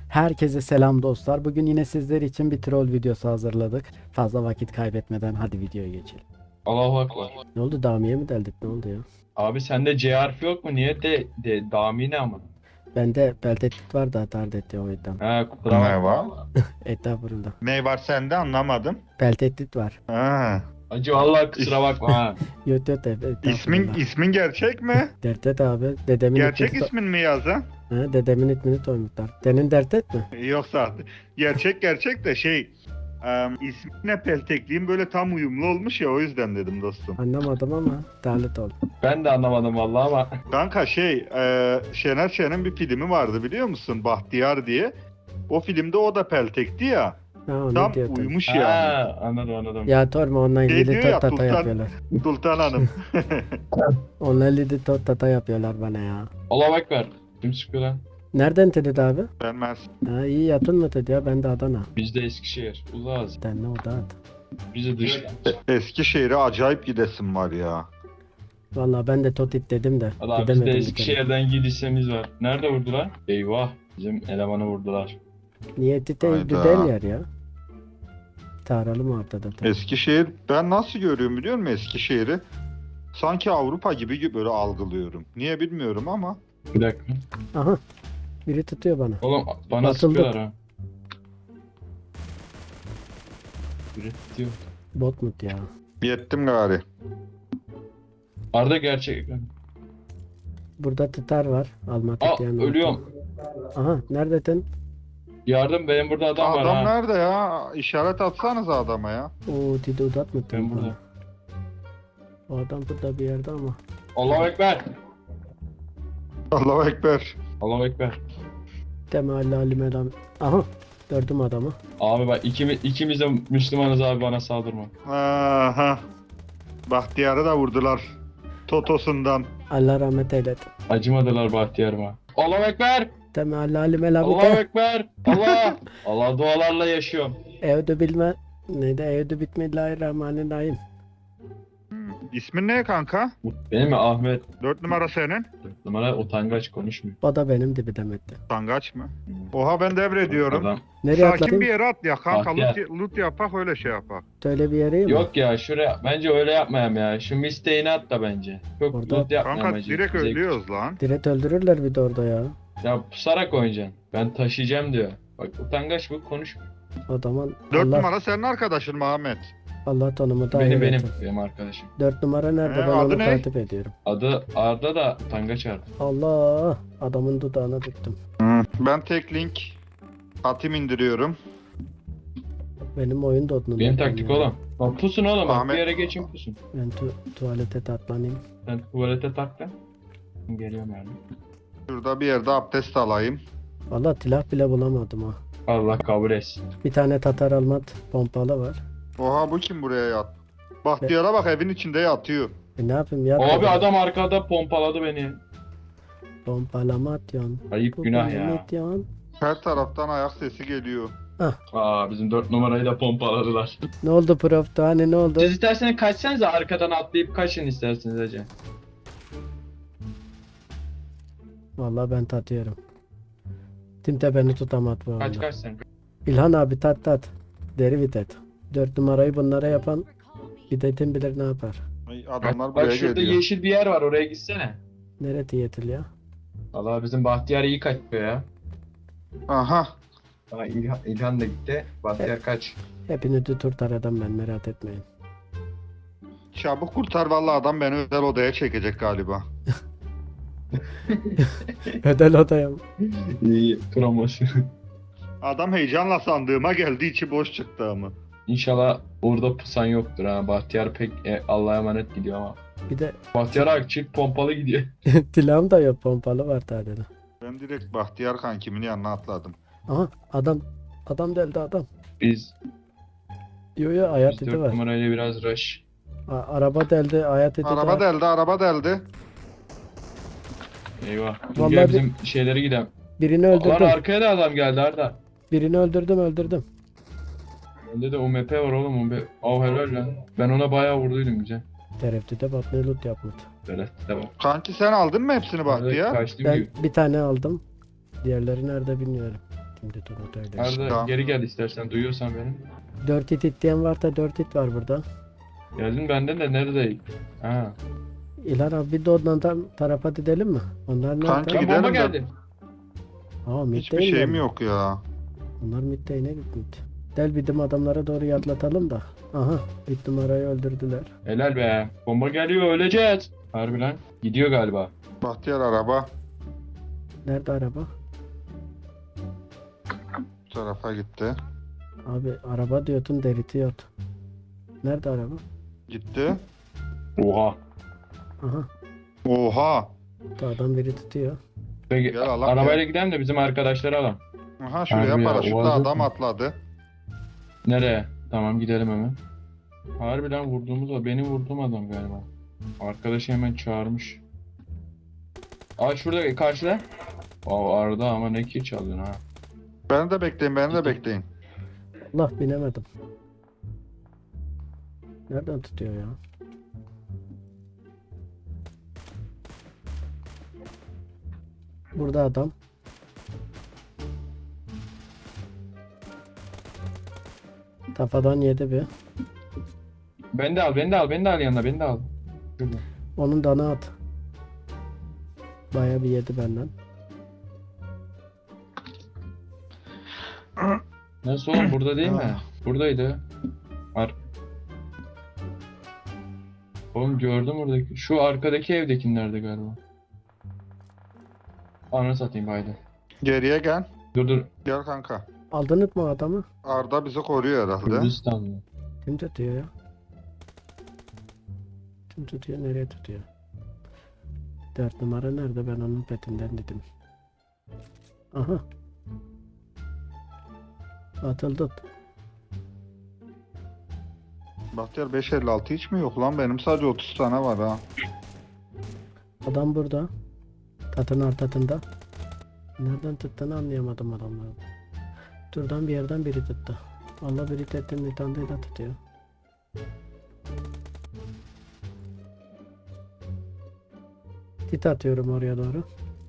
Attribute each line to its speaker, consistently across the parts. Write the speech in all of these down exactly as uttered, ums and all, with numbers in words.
Speaker 1: Herkese selam dostlar. Bugün yine sizler için bir troll videosu hazırladık. Fazla vakit kaybetmeden hadi videoya geçelim.
Speaker 2: Allahu Ekber.
Speaker 1: Ne oldu, Damiye mi deldik, ne oldu ya?
Speaker 2: Abi sende C harfi yok mu? Niye de, de Dami ne ama?
Speaker 1: Bende beltetit var da hataret etti o yüzden.
Speaker 2: He kusura
Speaker 3: Ne var?
Speaker 2: bakma.
Speaker 1: Estağfurullah.
Speaker 3: Ne var sende anlamadım.
Speaker 1: Beltetit var.
Speaker 3: Ha.
Speaker 2: Acı vallahi kusura bakma ha.
Speaker 1: Yot yot estağfurullah.
Speaker 3: İsmin ismin gerçek mi?
Speaker 1: Dertet abi. Dedemin
Speaker 3: Gerçek
Speaker 1: ismini
Speaker 3: ismin mi yazan?
Speaker 1: Ha, dedemin ismini koymuşlar. Senin Dertet mi?
Speaker 3: Yoksa gerçek gerçek de şey em, ismine peltekliğin böyle tam uyumlu olmuş ya o yüzden dedim dostum.
Speaker 1: Anlamadım ama dalet oldu.
Speaker 2: Ben de anlamadım vallahi ama.
Speaker 3: Kanka şey e, Şener Şen'in bir filmi vardı biliyor musun? Bahtiyar diye. O filmde o da peltekti ya.
Speaker 1: Ha, onu
Speaker 3: Tam
Speaker 1: diyordum.
Speaker 3: uyumuş yani.
Speaker 2: Ha anladım anladım.
Speaker 1: Ya torma onunla
Speaker 3: Şey
Speaker 1: ilgili
Speaker 3: diyor ya,
Speaker 1: tot tata
Speaker 3: Sultan-
Speaker 1: yapıyorlar.
Speaker 3: Sultan Hanım.
Speaker 1: Onunla ilgili tot tata yapıyorlar bana ya.
Speaker 2: Allahu Ekber. Kim sıkıyor lan?
Speaker 1: Nereden dedi abi?
Speaker 3: Ben Mers.
Speaker 1: Ha, iyi yatın mı dedi ya, ben de Adana.
Speaker 2: Biz de Eskişehir. Uzağız.
Speaker 1: Sen ne o da at.
Speaker 2: Biz de dış.
Speaker 3: E- Eskişehir'e acayip gidesim var ya.
Speaker 1: Valla ben de Totit dedim de
Speaker 2: Allah
Speaker 1: gidemedim
Speaker 2: bizde
Speaker 1: bir
Speaker 2: Eskişehir'den gidişimiz var. Nerede vurdular? Eyvah. Bizim elemanı vurdular.
Speaker 1: kere. Niyeti de
Speaker 3: Hayda.
Speaker 1: güzel yer ya. Taralım ortada da.
Speaker 3: Eskişehir ben nasıl görüyorum biliyor musun Eskişehir'i? Sanki Avrupa gibi böyle algılıyorum. Niye bilmiyorum ama.
Speaker 2: Bir dakika.
Speaker 1: Aha. Biri tutuyor bana.
Speaker 2: Oğlum bana
Speaker 1: Atıldı.
Speaker 2: sıkıyorlar ha. Biri tutuyor.
Speaker 1: Bot mut ya.
Speaker 3: Yettim gari.
Speaker 2: Arda gerçek.
Speaker 1: Burada tıtar var. Alma
Speaker 2: Aa
Speaker 1: tutayan.
Speaker 2: ölüyorum.
Speaker 1: Aha neredesin?
Speaker 2: Yardım benim burada adam,
Speaker 3: Adam,
Speaker 2: var ha.
Speaker 3: nerede ya? İşaret atsanıza adama ya.
Speaker 1: Oo Tide udat mı?
Speaker 2: Ben burada.
Speaker 1: O adam burada bir yerde ama.
Speaker 2: Allahu Ekber.
Speaker 3: Allahu Ekber.
Speaker 2: Allahu Ekber.
Speaker 1: Temelli alim elam. Aha. Gördüm adamı.
Speaker 2: Abi bak ikimiz, ikimiz de Müslümanız abi, bana saldırma.
Speaker 3: Aha. Bahtiyar'ı da vurdular. Totosundan.
Speaker 1: Allah rahmet eylesin.
Speaker 2: Acımadılar Bahtiyar'ıma. Allahu Ekber.
Speaker 1: Temelli alim elam.
Speaker 2: Allahu Ekber. Allah. Allah dualarla yaşıyorum.
Speaker 1: Evde bilme. Neydi? Evde bitmillahirrahmanirrahim.
Speaker 3: İsmin ne kanka?
Speaker 2: Benim mi Ahmet?
Speaker 3: Dört numara senin.
Speaker 2: Dört numara utangaç konuşmuyor.
Speaker 1: O da benim dibi demekti.
Speaker 3: Sangaç mı? Oha ben devrediyorum.
Speaker 2: Adam.
Speaker 1: Nereye
Speaker 3: Sakin
Speaker 1: atladın?
Speaker 3: bir yere at ya kanka.
Speaker 2: Bahtiyar.
Speaker 3: Loot, loot yapak öyle şey yapak.
Speaker 1: Söyle bir yere mi?
Speaker 2: Yok ya şuraya bence öyle yapmayayım ya. Şu misteğini at da bence. Çok
Speaker 1: Orada-
Speaker 2: loot yapmayayım
Speaker 3: Kanka
Speaker 2: bence.
Speaker 3: direkt
Speaker 2: Zevk-
Speaker 3: ölüyoruz lan.
Speaker 1: Direkt öldürürler bir de orada ya.
Speaker 2: Ya pusarak oynayacaksın. Ben taşıyacağım diyor. Bak utangaç bu, konuşmuyor.
Speaker 1: O zaman
Speaker 3: Dört
Speaker 1: Allah,
Speaker 3: numara senin arkadaşın Muhammed.
Speaker 1: Allah tonumu da
Speaker 2: Benim
Speaker 1: hayır
Speaker 2: benim.
Speaker 1: etsin.
Speaker 2: Benim arkadaşım.
Speaker 1: Dört numara nerede?
Speaker 3: Ee,
Speaker 1: ben
Speaker 3: adı
Speaker 1: onu
Speaker 3: ne?
Speaker 1: takip ediyorum.
Speaker 2: Adı Arda da utangaç Arda.
Speaker 1: Allah, adamın dudağına tuttum.
Speaker 3: Ben tek link atayım indiriyorum.
Speaker 1: Benim oyun da odunu.
Speaker 2: Benim taktik oğlum. Bak pusun oğlum, bak
Speaker 3: Ahmet-
Speaker 2: bir yere geçin pusun.
Speaker 1: Ben tu tuvalete tatlanayım.
Speaker 2: Sen tuvalete tak da. Geliyorum yani.
Speaker 3: Şurada bir yerde abdest alayım.
Speaker 1: Valla silah bile bulamadım ha.
Speaker 2: Allah kabul etsin.
Speaker 1: Bir tane Tatar Almat pompalı var.
Speaker 3: Oha bu kim buraya yat? Bahtiyar'a bak evin içinde yatıyor.
Speaker 1: E ne yapayım ya?
Speaker 2: Abi adam arkada pompaladı beni.
Speaker 1: Pompalamat yan.
Speaker 2: Ayıp günah ya.
Speaker 1: Pompalamat yan.
Speaker 3: Her taraftan ayak sesi geliyor.
Speaker 2: Aa bizim dört numarayı da pompaladılar.
Speaker 1: Ne oldu prof? Hani ne oldu?
Speaker 2: Siz isterseniz kaçsanız arkadan atlayıp kaçın isterseniz hacı.
Speaker 1: Valla ben tatıyorum. Timte beni tutamadı bu
Speaker 2: Kaç
Speaker 1: arada.
Speaker 2: kaç sen.
Speaker 1: İlhan abi tat tat. Deri vitet. Dört numarayı bunlara yapan videtin bilir ne yapar.
Speaker 3: Ay, adamlar
Speaker 2: Bak
Speaker 3: buraya
Speaker 2: şurada
Speaker 3: geliyor.
Speaker 2: yeşil bir yer var, oraya gitsene.
Speaker 1: Nerede yetil ya?
Speaker 2: Allah bizim Bahtiyar iyi kaçıyor ya.
Speaker 3: Aha.
Speaker 2: Aa, İlhan, İlhan da gitti. Bahtiyar kaç.
Speaker 1: Hepini tutur adam ben, merak etmeyin.
Speaker 3: Çabuk kurtar vallahi adam beni özel odaya çekecek galiba.
Speaker 1: Ödel odaya mı?
Speaker 2: İyi promosyon.
Speaker 3: Adam heyecanla sandığıma geldi içi boş çıktı ama.
Speaker 2: İnşallah orada pusan yoktur ha. Bahtiyar pek e, Allah'a emanet gidiyor ama.
Speaker 1: Bir de
Speaker 2: Bahtiyar abi çift pompalı gidiyor.
Speaker 1: silahım da yok, pompalı var tadede.
Speaker 3: Ben direkt Bahtiyar kankimin yanına atladım.
Speaker 1: Aha adam. Adam deldi adam.
Speaker 2: Biz,
Speaker 1: Yo yo hayat
Speaker 2: biz
Speaker 1: eti
Speaker 2: dört
Speaker 1: var.
Speaker 2: numarayla biraz rush.
Speaker 1: A- araba deldi, hayat eti
Speaker 3: Araba
Speaker 1: var.
Speaker 3: deldi araba deldi.
Speaker 2: Eyvah.
Speaker 1: Vallahi
Speaker 2: Gel
Speaker 1: bir-
Speaker 2: bizim şeyleri gidelim.
Speaker 1: Birini
Speaker 2: Lan
Speaker 1: öldürdüm.
Speaker 2: arkaya da adam geldi Arda.
Speaker 1: Birini öldürdüm öldürdüm.
Speaker 2: Bende de U M P var oğlum. U M P. Av helal lan. Ben ona bayağı vurduydum güzel.
Speaker 1: Tereftüde bak ne loot yapmadı.
Speaker 2: Böyle devam.
Speaker 3: Kanki sen aldın mı hepsini Bahtiyar?
Speaker 2: Kaçtım
Speaker 1: Ben
Speaker 2: gibi.
Speaker 1: bir tane aldım. Diğerleri nerede bilmiyorum. Şimdi dur öyle işte.
Speaker 2: Arda
Speaker 3: Tamam.
Speaker 2: geri gel istersen, duyuyorsan beni.
Speaker 1: Dört it it diyen var da dört it var burada.
Speaker 2: Geldin benden de neredeyim? Ha.
Speaker 1: İlhan abi bir de ondan tarafa gidelim mi? Onlar nerede?
Speaker 3: Kanki
Speaker 2: Lan
Speaker 3: gidelim
Speaker 2: bomba
Speaker 3: de-
Speaker 2: geldi.
Speaker 1: Aa mid
Speaker 3: Hiçbir
Speaker 1: değil
Speaker 3: şeyim
Speaker 1: mi?
Speaker 3: yok ya.
Speaker 1: Onlar mid değil, ne mid? Del bizim adamlara doğru yatlatalım da. Aha bir numarayı öldürdüler.
Speaker 2: Helal be. Bomba geliyor, öleceğiz. Harbi lan. Gidiyor galiba.
Speaker 3: Bahtiyar araba
Speaker 1: Nerede araba?
Speaker 3: bu tarafa gitti.
Speaker 1: Abi araba diyordun deritiyor. Nerede araba?
Speaker 3: Gitti.
Speaker 2: Oha.
Speaker 1: Aha
Speaker 3: Oha.
Speaker 1: bu adam biri tutuyor.
Speaker 2: Peki
Speaker 3: Gel alalım
Speaker 2: arabayla
Speaker 3: ya.
Speaker 2: gidelim de bizim arkadaşları alalım.
Speaker 3: Aha şuraya
Speaker 2: Harbi ya,
Speaker 3: paraşütle
Speaker 2: Oğaz yok
Speaker 3: adam
Speaker 2: mu?
Speaker 3: atladı.
Speaker 2: Nereye? Tamam gidelim hemen. Harbiden vurduğumuz o. Benim vurduğum adam galiba. Arkadaşı hemen çağırmış. Aa şurada karşıda. Aa Arda ama ne kill çalıyorsun ha.
Speaker 3: Beni de bekleyin, beni de
Speaker 2: Gitti.
Speaker 3: bekleyin.
Speaker 1: Allah binemedim. Nereden tutuyor ya? Burada adam. Kafadan yedi bir.
Speaker 2: Beni de al, beni de al, beni de al yanına, beni de al. Şurada.
Speaker 1: Onun dana at. Baya bir yedi benden.
Speaker 2: Nasıl oğlum, burada değil mi? Buradaydı. Ar Oğlum gördüm oradaki. Şu arkadaki evdekilerde galiba. Ananı satayım haydi.
Speaker 3: Geriye gel.
Speaker 2: Dur dur.
Speaker 3: Gel kanka.
Speaker 1: Aldınız mı adamı?
Speaker 3: Arda bizi koruyor herhalde.
Speaker 2: Kürdistan mı?
Speaker 1: Kim tutuyor ya? Kim tutuyor? Nereye tutuyor? Dört numara nerede? Ben onun petinden dedim. Aha. Atıldı.
Speaker 3: Bahtiyar beş elli altı hiç mi yok lan? Benim sadece otuz tane var ha.
Speaker 1: Adam burada. Tatın artatında. Nereden tuttuğunu anlayamadım adamları. Şuradan bir yerden biri tuttu. Vallahi biri tettin bir tane de tutuyor. Tit atıyorum oraya doğru.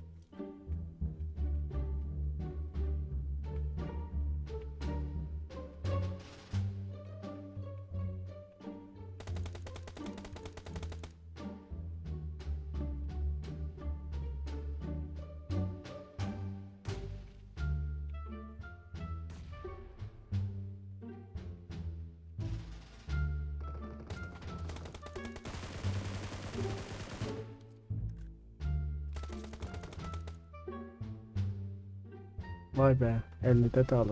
Speaker 1: Vay be, elli de dağılım.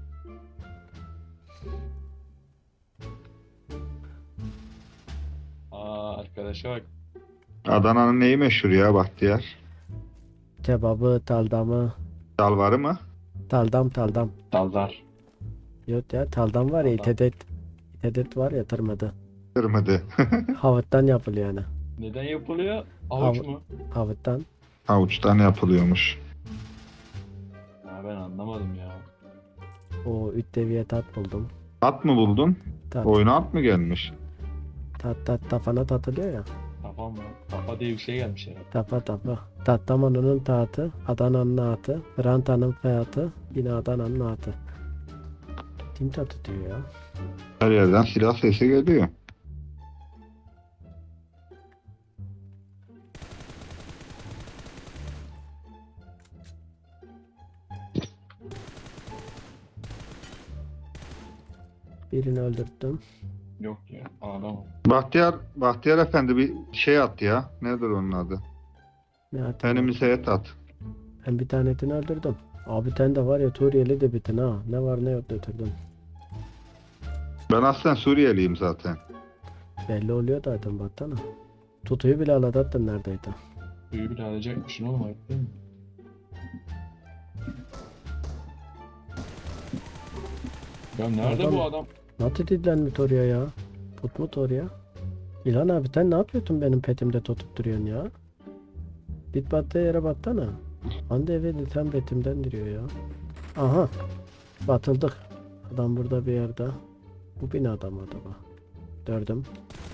Speaker 2: Aa arkadaşa bak.
Speaker 3: Adana'nın neyi meşhur ya Bahtiyar?
Speaker 1: Kebabı, taldamı.
Speaker 3: Dalvarı mı?
Speaker 1: Taldam taldam.
Speaker 2: Daldar.
Speaker 1: Yok ya, taldam var ya,
Speaker 2: Taldam.
Speaker 1: itedet. İtedet var ya, tırmadı.
Speaker 3: Kırmızı.
Speaker 1: Havuttan yapılıyor yani.
Speaker 2: Neden yapılıyor? Avuç
Speaker 1: Av-
Speaker 2: mu?
Speaker 1: Havuttan.
Speaker 3: Havuçtan yapılıyormuş.
Speaker 2: Ha ben anlamadım ya.
Speaker 1: O üç seviye tat buldum.
Speaker 3: At mı buldun?
Speaker 1: Tat,
Speaker 3: Oyuna at mı gelmiş?
Speaker 1: tat, tat tafana tatılıyor ya.
Speaker 2: Kafa mı? Kafa diye bir şey gelmiş herhalde.
Speaker 1: Tapa tapa. Tattamanının taatı, Adana'nın atı, Ranta'nın fiyatı, yine Adana'nın atı. Kim tatı diyor ya?
Speaker 3: Her yerden silah sesi geliyor.
Speaker 1: Birini öldürttüm.
Speaker 2: Yok ya adam.
Speaker 3: Bahtiyar, Bahtiyar Efendi bir şey at ya. Nedir onun adı?
Speaker 1: Ne atayım?
Speaker 3: Önümüze et at.
Speaker 1: Ben bir tanesini öldürdüm. Abi sen de var ya, Suriyeli de bitin ha. Ne var ne yok götürdüm.
Speaker 3: Ben aslen Suriyeliyim zaten.
Speaker 1: Belli oluyor zaten baksana. Tutuyu bile aladattın neredeydi.
Speaker 2: Suyu bile alacakmışsın oğlum, ayıp değil mi? Ya nerede
Speaker 1: Adam-
Speaker 2: bu adam?
Speaker 1: Nasıl didlenmiş oraya ya? Tutmut oraya. İlhan abi sen ne yapıyorsun benim petimde tutup duruyorsun ya? Git battığı yere baksana. Hande eve sen petimden duruyor ya. Aha. Batıldık. Adam burada bir yerde. Bu binada mı acaba? Gördüm.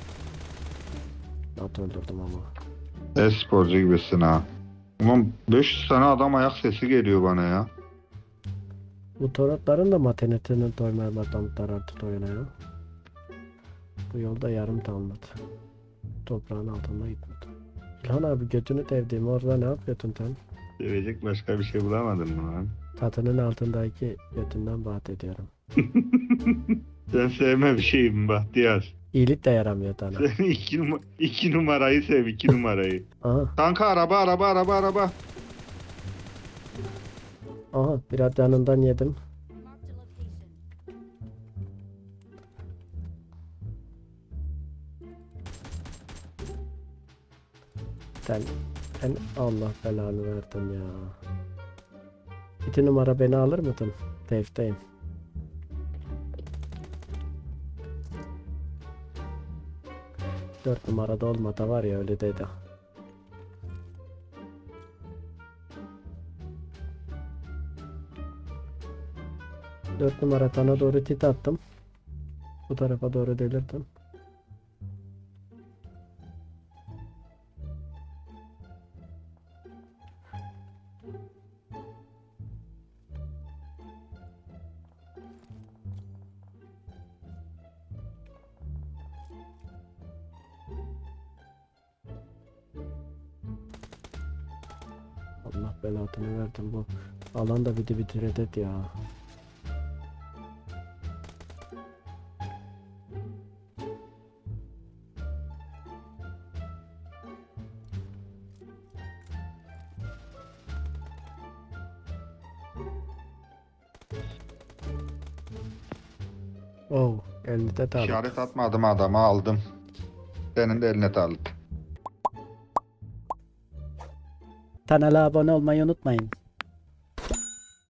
Speaker 1: Nasıl öldürdüm ama.
Speaker 3: E-sporcu gibisin ha. Ulan beş yüz tane adam ayak sesi geliyor bana ya.
Speaker 1: Bu torotların da maternitinin doymamaktan artık doyana ya. Bu yolda yarım kalmadı. Toprağın altında gitmedi. İlhan abi götünü devdiğim orada ne yapıyordun sen?
Speaker 3: Sevecek başka bir şey bulamadın mı lan?
Speaker 1: Tatının altındaki götünden bahsediyorum.
Speaker 3: Sen sevme bir şeyim Bahtiyar.
Speaker 1: İyilik de yaramıyor sana.
Speaker 3: Sen iki, numa- iki numarayı sev, iki numarayı.
Speaker 1: Aha,
Speaker 3: Kanka araba, araba, araba, araba.
Speaker 1: aha biraz yanından yedim. Sen, sen Allah belanı verdin ya. İki numara beni alır mıydın? Tevfteyim. Dört numarada olmadı var ya öyle dedi. Dört numara sana doğru tit attım. Bu tarafa doğru delirdim. Allah belasını verdim bu. Alan da biti bitiredet ya. Oh, elini de sağlık.
Speaker 3: İşaret atmadım adama aldım. Senin de eline sağlık.
Speaker 1: Kanala abone olmayı unutmayın.